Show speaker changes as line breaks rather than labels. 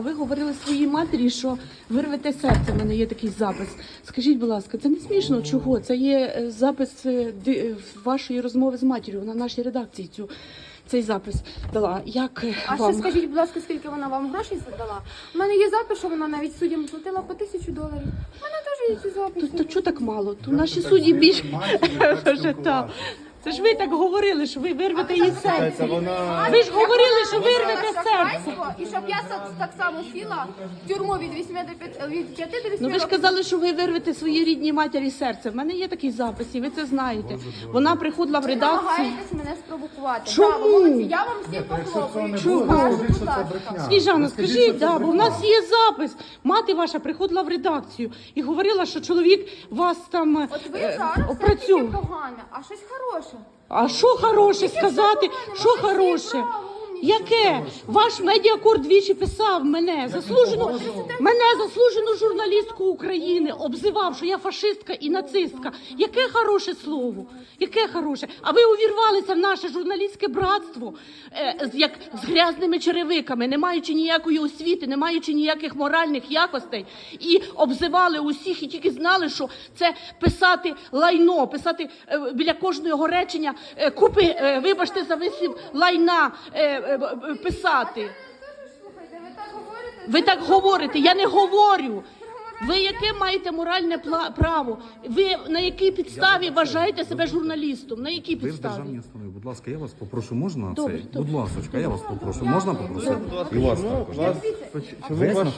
Ви говорили своїй матері, що вирвете серце. У мене є такий запис. Скажіть, будь ласка, це не смішно? Чого? Це є запис вашої розмови з матір'ю. Вона в нашій редакції цей запис дала. Як
А
вам?
ще скажіть, будь ласка, скільки вона вам грошей задала? У мене є запис, що вона навіть суддям платила по $1000. У мене теж є ці записи.
То чого так мало? То наші судді більше. Це ж ви так говорили, що ви вирвете її серце. Ви ж говорили, що вирвете серце.
І щоб я так само сіла в тюрму від 5 до 8
Ну ви ж казали, що ви вирвете своїй рідній матері серце. В мене є такий запис, і ви це знаєте. Вона приходила в
Ви
редакцію.
намагаєтесь мене спровокувати.
Чому?
Браво, молодці, я вам всім похлопаю.
Чому?
Покажу, будь ласка.
Сніжана, скажіть, бо у нас є запис. Мати ваша приходила в редакцію і говорила, що чоловік вас там
От ви зараз все
опрацьовує.
тільки погане, а щось хороше.
А що хороше сказати? Що
Молодці,
хороше?
браво, умнічки.
Яке? Ваш медіакор двічі писав мене, заслужену журналістку України, обзивав, що я фашистка і нацистка. Яке хороше слово? Яке хороше? А ви увірвалися в наше журналістське братство як з грязними черевиками, не маючи ніякої освіти, не маючи ніяких моральних якостей, і обзивали усіх, і тільки знали, що це писати лайно, писати біля кожного речення купи, вибачте за вислів, лайна писати.
Слухайте, ви так говорите?
Ви так говорите, я не говорю. Ви яке маєте моральне право? Ви на якій підставі вважаєте себе журналістом? На якій
Ви в
підставі?
державній установі. Будь ласка, я вас попрошу, можна
Добре,
цей?
добре.
Будь ласочка, я вас попрошу. Можна попросити? І вас також.
Дивіться,
Ви